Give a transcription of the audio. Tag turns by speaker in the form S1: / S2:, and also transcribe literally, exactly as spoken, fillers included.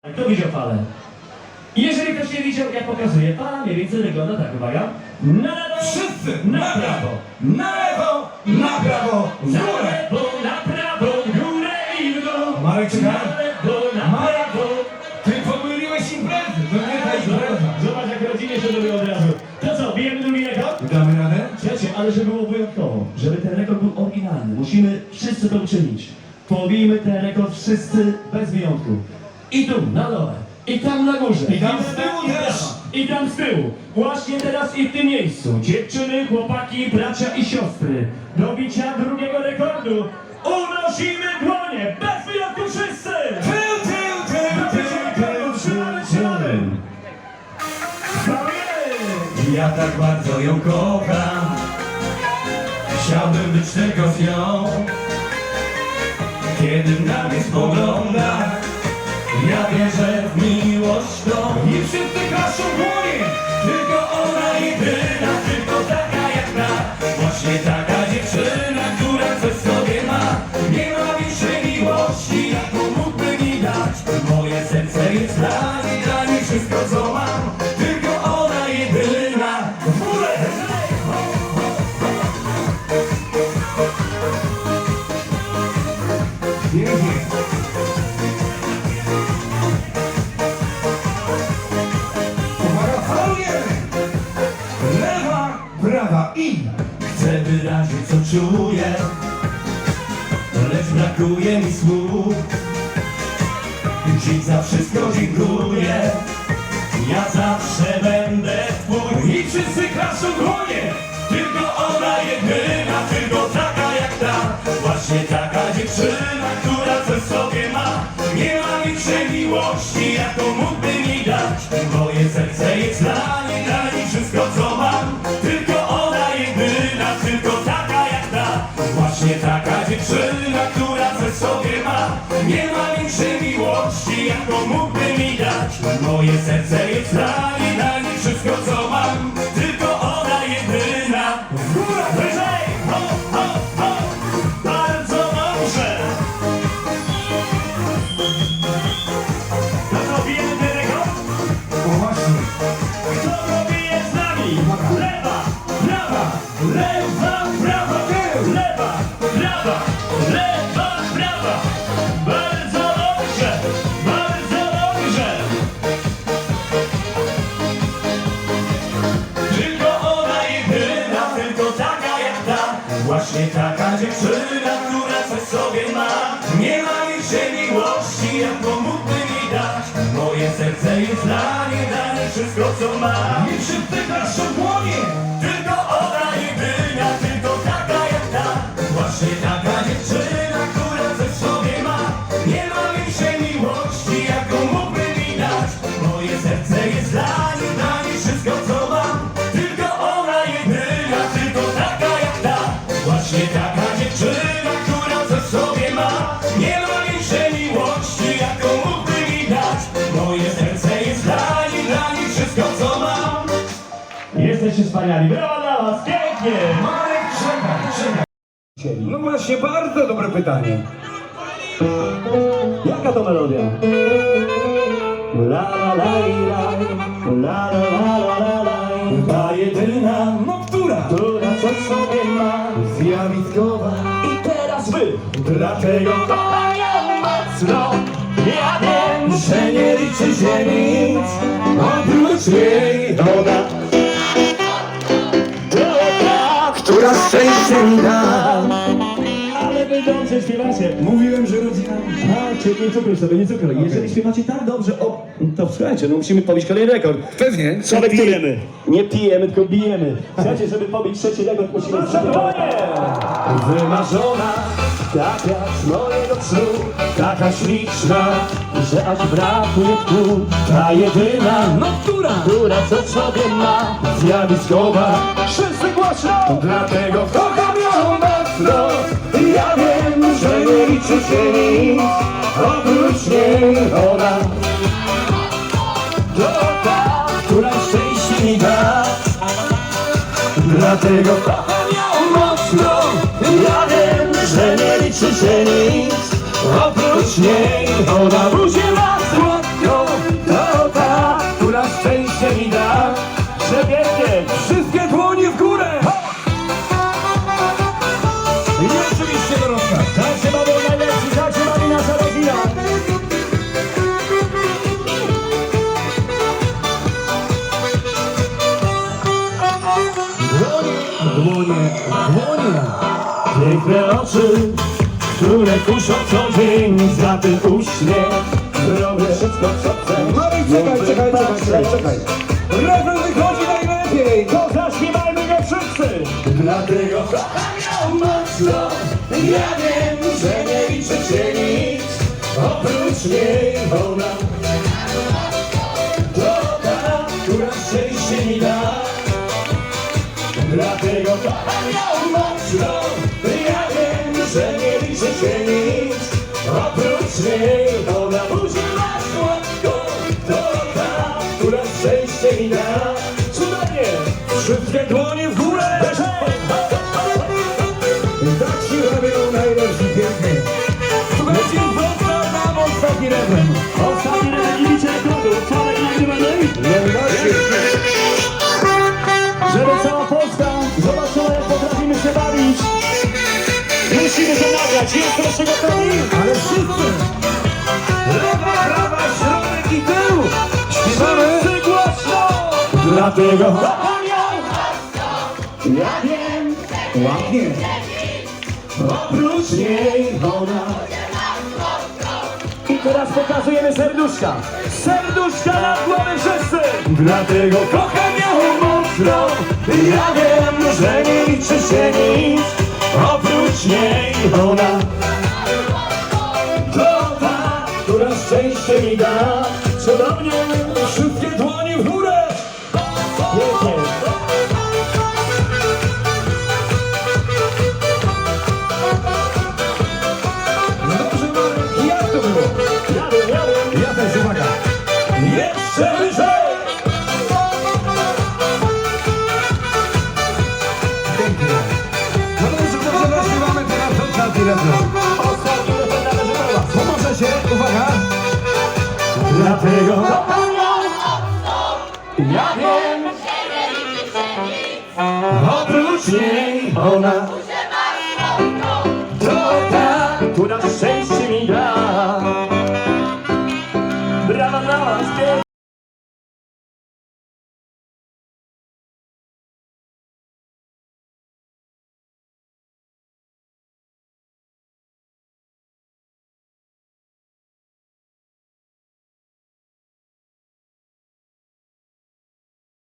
S1: Kto widział falę? Jeżeli ktoś nie widział, jak pokazuje, fala mniej więcej wygląda tak, uwaga. Na lewo,
S2: Wszyscy
S1: na prawo,
S2: na lewo, na prawo, w
S1: na
S2: górę.
S1: lewo, na prawo, w górę i w dół.
S2: Marek, czekaj.
S1: Na lewo, na
S2: Marek,
S1: prawo.
S2: ty pomyliłeś imprezy, to nie ta impreza.
S1: Zobacz, jak rodzinie się robi od razu. To co, bijemy drugi rekord?
S2: Damy radę?
S1: Słuchajcie, ale żeby było wyjątkowo, żeby ten rekord był oryginalny, musimy wszyscy to uczynić. Pobijmy ten rekord wszyscy bez wyjątku. I tu, na dole, i tam na górze,
S2: I tam
S1: w
S2: z
S1: lewo,
S2: tyłu
S1: i w
S2: też.
S1: prawo, i tam z tyłu. Właśnie teraz i w tym miejscu. Dziewczyny, chłopaki, bracia i siostry. Do bicia drugiego rekordu unosimy dłonie, bez wyjątku wszyscy!
S2: Tył, tył, tył,
S1: Do bicia rekordu, trzymamy, trzymamy! Chwalimy!
S2: Ja tak bardzo ją kocham. Chciałbym być tylko z nią. Kiedy na mnie spogląda, ja wierzę w miłość tą. I wszyscy klaszą dłonie. Tylko ona jedyna, tylko taka jak ta. Właśnie taka dziewczyna, która coś w sobie ma. Nie ma większej miłości, jaką mógłby mi dać. Moje serce jest dla niej, dla niej wszystko co mam. Tylko ona jedyna. W górę! Pięknie. Uwaga, falujemy! Lewa, prawa i... Chcę wyrazić co czuję, lecz brakuje mi słów. Dziś za wszystko dziękuję, ja zawsze będę twój. I wszyscy klaszą dłonie, tylko ona jedyna, tylko taka jak ta. Właśnie taka dziewczyna, która coś w sobie ma. Nie ma większej miłości, jaką mógłby mi dać. Moje serce jest dla niej, dla niej wszystko co mam. Tylko ona jedyna, tylko taka jak ta. Właśnie taka dziewczyna, która coś w sobie ma. Nie ma większej miłości, jaką mógłby mi dać. Moje serce jest dla niej, dla niej wszystko co mam. Tylko ona jedyna. W górę, wyżej! Ho, ho, ho! Bardzo dobrze! To co, bijemy ten rekord?
S1: O właśnie.
S2: Kto to bije z nami? Lewa, prawa, lewa, prawa, tył! Lewa, prawa, lewa, prawa! Bardzo dobrze, bardzo dobrze! Tylko ona jedyna, tylko taka jak ta. Właśnie taka dziewczyna, która coś w sobie ma. Nie ma większej miłości, jaką mógłby mi dać. Moje serce jest dla niej, dla niej wszystko co ma. I wszyscy klaszą dłonie. Tylko ona jedyna, tylko taka jak ta. Właśnie taka dziewczyna, która coś w sobie ma. Nie ma większej miłości, jaką mógłby mi dać. Moje serce jest dla niej, dla niej wszystko co mam. Tylko ona jedyna, tylko taka jak ta. Właśnie taka dziewczyna, która coś w sobie ma. Nie ma większej miłości, jaką mógłby mi dać. Moje serce jest dla niej, dla niej wszystko co mam.
S1: Jesteście wspaniali, brawa dla was, pięknie!
S2: Marek, czekaj, czekaj. No właśnie, bardzo dobre pytanie.
S1: Jaka to melodia? La la la la, la la la la la la.
S2: Ta jedyna, no która?
S1: Która coś w sobie ma.
S2: Zjawiskowa.
S1: I teraz wy!
S2: Dlatego
S1: Kocham ją mocno. Ja wiem,
S2: że nie liczy się nic oprócz jej ona, która szczęście mi da.
S1: ale wy dobrze śpiewacie.
S2: Mówiłem, że rodzina.
S1: A, czyli nie cukruj sobie, nie cukruj. Jeżeli śpiewacie tak dobrze, o, to słuchajcie, no musimy pobić kolejny rekord.
S2: Pewnie.
S1: Co my pijemy? Nie pijemy, tylko bijemy. Słuchajcie, żeby pobić trzeci rekord, musimy... Wymarzona, tak jak z mojego snu, taka śliczna, że aż brakuje tchu. Ta jedyna,
S2: No która?
S1: która coś w sobie ma, zjawiskowa. Wszyscy głośno!
S2: Dlatego kocham ją mocno. Ja wiem, że nie liczy się nic oprócz niej ona.
S1: To ta,
S2: Która szczęście mi da. Dlatego kocham ją mocno. Ja wiem, że nie liczy się nic oprócz niej ona. Buzię ma słodko dłonie, dłonie.
S1: Piękne oczy, które kuszą co dzień za ten uśmiech. Robię wszystko co chcę.
S2: Marek, czekaj, czekaj, czekaj, czekaj, czekaj. Refren wychodzi najlepiej.
S1: To zaśpiewajmy go wszyscy. Dlatego kocham ją mocno. Ja wiem, że nie liczy się nic oprócz niej ona. To ta, która szczęście mi da. Dlatego kocham ją mocno. Ja wiem, że nie liczy się nic oprócz niej ona. Buzi ma słodko. To ta, która szczęście mi da. Cudownie!
S2: Wszystkie dłonie w górę. Tak się robią najlepsi pięknie. Słuchajcie, został nam ostatni refren.
S1: Ostatni raz nie liczę rekordów, Sławek nagrywany. Żeby cała Polska zobaczyła, jak potrafimy się bawić. Musimy to nagrać, jest proszę gotowi?
S2: Ale wszyscy. Lewa, prawa, środek i tył. Śpiewamy.
S1: Wszyscy głośno! Dlatego kocham ją. Ja wiem,
S2: Ładnie.
S1: oprócz niej ona. I teraz pokazujemy serduszka. Serduszka na głowę wszyscy! Dlatego kocham ją mocno. Ja wiem, że nie liczy się nic oprócz niej ona. To ta, która szczęście mi da. Cudownie!
S2: Wszystkie dłonie w górę.
S1: Pięknie!
S2: Dobrze, Marek, jak to było?
S1: Ja wiem, ja wiem!
S2: Ja też, uwaga.
S1: Jeszcze wyżej!
S2: Pięknie. No dobrze, może zaśpiewamy teraz ostatni refren.
S1: Ostatni refren należy do was.
S2: Pomoże się, uwaga.
S1: Dlatego kocham ją. Ja wiem, oprócz niej ona. To ta, która szczęście mi da. Brawa dla was, pięknie.